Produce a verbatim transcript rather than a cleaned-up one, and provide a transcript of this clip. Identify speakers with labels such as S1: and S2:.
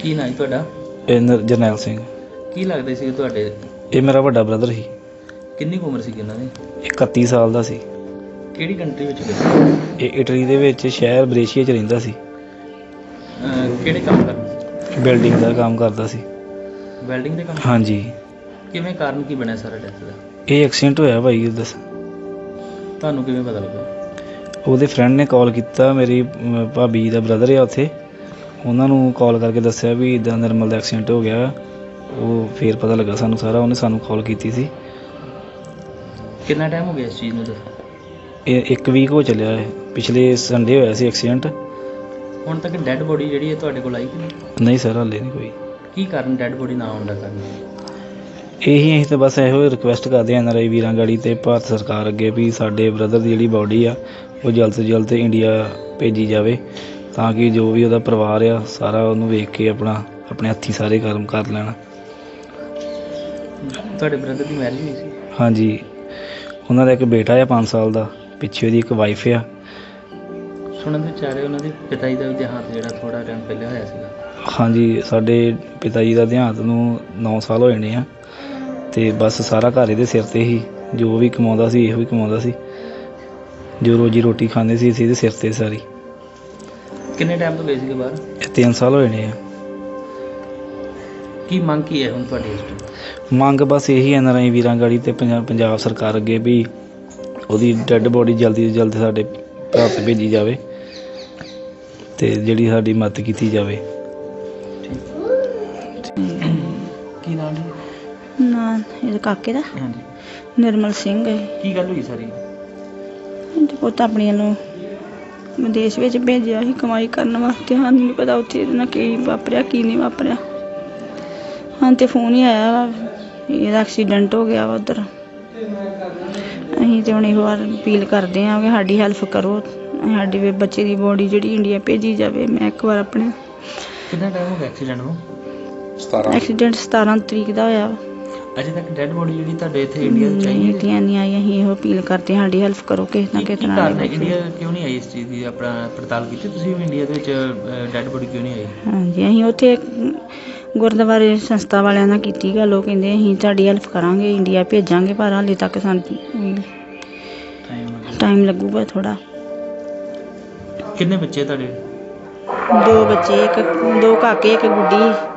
S1: ਕੀ ਨਾਂ ਜੀ ਤੁਹਾਡਾ?
S2: ਇਹ ਨਰ- ਜਰਨੈਲ ਸਿੰਘ।
S1: ਕੀ ਲੱਗਦੇ ਸੀ ਤੁਹਾਡੇ?
S2: ਇਹ ਮੇਰਾ ਵੱਡਾ ਬ੍ਰਦਰ ਸੀ।
S1: ਕਿੰਨੀ ਕੁ ਉਮਰ ਸੀ ਇਹਨਾਂ ਦੀ?
S2: ਇਕੱਤੀ ਸਾਲ ਦਾ ਸੀ।
S1: ਕਿਹੜੀ ਕੰਟਰੀ ਵਿੱਚ ਗਏ?
S2: ਇਹ ਇਟਲੀ ਦੇ ਵਿੱਚ ਸ਼ਹਿਰ ਬਰੇਸ਼ੀਆ 'ਚ ਰਹਿੰਦਾ ਸੀ।
S1: ਅਹ ਕਿਹੜੇ ਕੰਮ ਕਰਦੇ ਸੀ?
S2: ਬਿਲਡਿੰਗ ਦਾ ਕੰਮ ਕਰਦਾ ਸੀ।
S1: ਵੈਲਡਿੰਗ ਦੇ ਕੰਮ?
S2: ਹਾਂਜੀ।
S1: ਕਿਵੇਂ ਕਾਰਨ ਕੀ ਬਣਿਆ ਸਾਰਾ ਡੈਥ ਦਾ?
S2: ਇਹ ਐਕਸੀਡੈਂਟ ਹੋਇਆ ਭਾਈ। ਦੱਸ
S1: ਤੁਹਾਨੂੰ ਕਿਵੇਂ ਪਤਾ ਲੱਗਾ?
S2: ਉਹਦੇ ਫਰੈਂਡ ਨੇ ਕਾਲ ਕੀਤਾ। ਮੇਰੀ ਅਮ, ਭਾਬੀ ਦਾ ਬ੍ਰਦਰ ਆ ਉੱਥੇ, ਉਹਨਾਂ ਨੂੰ ਕਾਲ ਕਰਕੇ ਦੱਸਿਆ ਵੀ ਇੱਦਾਂ ਨਿਰਮਲ ਦਾ ਐਕਸੀਡੈਂਟ ਹੋ ਗਿਆ। ਉਹ ਫਿਰ ਪਤਾ ਲੱਗਾ ਸਾਨੂੰ ਸਾਰਾ। ਉਹਨੇ ਸਾਨੂੰ ਕਾਲ ਕੀਤੀ ਸੀ।
S1: ਕਿੰਨਾ ਟਾਈਮ ਹੋ ਗਿਆ ਇਸ ਚੀਜ਼ ਨੂੰ? ਦੱਸੋ।
S2: ਇਹ ਇੱਕ ਵੀਕ ਹੋ ਚੱਲਿਆ ਹੈ। ਪਿਛਲੇ ਸੰਡੇ ਹੋਇਆ ਸੀ ਐਕਸੀਡੈਂਟ।
S1: ਹੁਣ ਤੱਕ ਡੈੱਡ ਬੋਡੀ ਜਿਹੜੀ ਹੈ ਤੁਹਾਡੇ ਕੋਲ ਆਈ ਕਿ ਨਹੀਂ?
S2: ਨਹੀਂ ਸਰ, ਹਾਲੇ ਨਹੀਂ ਕੋਈ।
S1: ਕੀ ਕਾਰਨ ਡੈੱਡ ਬੋਡੀ ਨਾ ਆਉਣ ਦਾ ਕਾਰਨ?
S2: ਇਹੀ ਅਸੀਂ ਤਾਂ ਬਸ ਇਹੋ ਰਿਕੁਐਸਟ ਕਰਦੇ ਹਾਂ ਐਨ ਆਰ ਆਈ ਵੀਰਾਂ ਗਾੜੀ ਅਤੇ ਭਾਰਤ ਸਰਕਾਰ ਅੱਗੇ ਵੀ ਸਾਡੇ ਬ੍ਰਦਰ ਦੀ ਜਿਹੜੀ ਬਾਡੀ ਆ ਉਹ ਜਲਦ ਤੋਂ ਜਲਦ ਇੰਡੀਆ ਭੇਜੀ ਜਾਵੇ, ਤਾਂ ਕਿ ਜੋ ਵੀ ਉਹਦਾ ਪਰਿਵਾਰ ਆ ਸਾਰਾ ਉਹਨੂੰ ਵੇਖ ਕੇ ਆਪਣਾ ਆਪਣੇ ਹੱਥੀਂ ਸਾਰੇ ਕਰਮ ਕਰ ਲੈਣ।
S1: ਤੁਹਾਡੇ ਬ੍ਰਦਰ ਦੀ ਮੈਰਿਜ ਹੋਈ ਸੀ?
S2: ਹਾਂਜੀ, ਉਹਨਾਂ ਦਾ ਇੱਕ ਬੇਟਾ ਆ ਪੰਜ ਸਾਲ ਦਾ, ਪਿੱਛੇ ਉਹਦੀ ਇੱਕ ਵਾਈਫ ਆ।
S1: ਸੁਣਨ ਦੇ ਵਿਚਾਰੇ ਉਹਨਾਂ ਦੇ ਪਿਤਾ ਜੀ ਦਾ ਵੀ ਦੇਹਾਂਤ ਜਿਹੜਾ ਥੋੜ੍ਹਾ ਟਾਈਮ ਪਹਿਲਾਂ ਹੋਇਆ ਸੀਗਾ।
S2: ਹਾਂਜੀ, ਸਾਡੇ ਪਿਤਾ ਜੀ ਦਾ ਦੇਹਾਂਤ ਨੂੰ ਨੌ ਸਾਲ ਹੋ ਜਾਣੇ ਆ, ਅਤੇ ਬਸ ਸਾਰਾ ਘਰ ਇਹਦੇ ਸਿਰ 'ਤੇ ਹੀ। ਜੋ ਵੀ ਕਮਾਉਂਦਾ ਸੀ ਇਹੋ ਹੀ ਕਮਾਉਂਦਾ ਸੀ। ਜੋ ਰੋਜੀ ਰੋਟੀ ਖਾਂਦੇ ਸੀ ਅਸੀਂ ਇਹਦੇ ਸਿਰ 'ਤੇ ਸਾਰੀ।
S1: ਕਿੰਨੇ ਟਾਈਮ ਤੋਂ ਗਏ ਸੀਗੇ ਬਾਹਰ?
S2: ਇਹ ਤਿੰਨ ਸਾਲ ਹੋ ਜਾਣੇ ਆ।
S1: ਕੀ ਮੰਗ ਕੀ ਹੈ ਹੁਣ ਤੁਹਾਡੀ ਇਸ ਟਾਈਮ?
S2: ਮੰਗ ਬਸ ਇਹੀ ਐਨ ਆਰ ਆਈ ਵੀਰਾਂ ਗਾੜੀ ਅਤੇ ਪੰਜਾਬ ਪੰਜਾਬ ਸਰਕਾਰ ਅੱਗੇ ਵੀ ਉਹਦੀ ਡੈੱਡ ਬੋਡੀ ਜਲਦੀ ਤੋਂ ਜਲਦੀ ਸਾਡੇ ਭਾਰਤ ਭੇਜੀ ਜਾਵੇ ਅਤੇ ਜਿਹੜੀ ਸਾਡੀ ਮਦਦ ਕੀਤੀ ਜਾਵੇ।
S1: ਕੀ ਨਾਮ ਜੀ?
S3: ਨਾਂ ਇਹਦੇ ਕਾਕੇ ਦਾ
S1: ਹਾਂਜੀ।
S3: ਨਿਰਮਲ ਸਿੰਘ ਹੈ।
S1: ਕੀ ਗੱਲ ਹੋਈ ਸਾਰੀ?
S3: ਤੇ ਪੁੱਤ ਆਪਣੀਆਂ ਨੂੰ ਵਿਦੇਸ਼ ਵਿੱਚ ਭੇਜਿਆ ਸੀ ਕਮਾਈ ਕਰਨ ਵਾਸਤੇ। ਸਾਨੂੰ ਨਹੀਂ ਪਤਾ ਉੱਥੇ ਇਹਦੇ ਨਾਲ ਕੀ ਵਾਪਰਿਆ ਕੀ ਨਹੀਂ ਵਾਪਰਿਆ। ਹਾਂ ਤੇ ਫੋਨ ਹੀ ਆਇਆ ਵਾ ਇਹਦਾ ਐਕਸੀਡੈਂਟ ਹੋ ਗਿਆ ਵਾ ਉੱਧਰ। ਅਸੀਂ ਤਾਂ ਹੁਣ ਇਹੋ ਵਾਰ ਅਪੀਲ ਕਰਦੇ ਹਾਂ ਕਿ ਸਾਡੀ ਹੈਲਪ ਕਰੋ, ਸਾਡੀ ਵੀ ਬੱਚੇ ਦੀ ਬੋਡੀ ਜਿਹੜੀ ਇੰਡੀਆ ਭੇਜੀ ਜਾਵੇ। ਮੈਂ ਇੱਕ ਵਾਰ ਆਪਣੇ
S1: ਕਿੰਨਾ ਟਾਈਮ ਹੋ ਗਿਆ ਐਕਸੀਡੈਂਟ ਨੂੰ?
S3: ਐਕਸੀਡੈਂਟ ਸਤਾਰਾਂ ਤਰੀਕ ਦਾ ਹੋਇਆ ਵਾ।
S1: ਅਜੇ ਤੱਕ ਡੈੱਡ ਬੋਡੀ ਜਿਹੜੀ ਤੁਹਾਡੇ ਇੱਥੇ ਇੰਡੀਆ 'ਚ ਆਈ
S3: ਨਹੀਂ,
S1: ਹੈ?
S3: ਇੰਡੀਆ ਨਹੀਂ ਆਈ। ਅਸੀਂ ਇਹੋ ਅਪੀਲ ਕਰਦੇ ਹਾਂ ਸਾਡੀ ਹੈਲਪ ਕਰੋ ਕਿਸੇ ਨਾ
S1: ਕੀ
S3: ਕਿਸੇ
S1: ਕੀ
S3: ਤਰ੍ਹਾਂ
S1: ਕਾਰਨ ਹੈ
S3: ਨਾਲ।
S1: ਇੰਡੀਆ ਕਿਉਂ ਨਹੀਂ ਆਈ ਇਸ ਚੀਜ਼ ਦੀ? ਆਪਣਾ ਪੜਤਾਲ ਕੀਤੀ ਤੁਸੀਂ ਵੀ ਇੰਡੀਆ ਦੇ ਵਿੱਚ ਡੈੱਡ ਬੋਡੀ ਕਿਉਂ ਨਹੀਂ ਆਈ?
S3: ਹਾਂਜੀ, ਅਸੀਂ ਉੱਥੇ ਗੁਰਦੁਆਰੇ ਸੰਸਥਾ ਵਾਲਿਆਂ ਨਾਲ ਕੀਤੀ ਗੱਲ। ਉਹ ਕਹਿੰਦੇ ਅਸੀਂ ਤੁਹਾਡੀ ਹੈਲਪ ਕਰਾਂਗੇ, ਇੰਡੀਆ ਭੇਜਾਂਗੇ, ਪਰ ਹਾਲੇ ਤੱਕ ਸਾਨੂੰ ਟਾਈਮ ਲੱਗੂਗਾ ਥੋੜ੍ਹਾ।
S1: ਕਿੰਨੇ ਬੱਚੇ ਤੁਹਾਡੇ?
S3: ਦੋ ਬੱਚੇ, ਇੱਕ ਦੋ ਕਾਕੇ ਇੱਕ ਗੁੱਡੀ।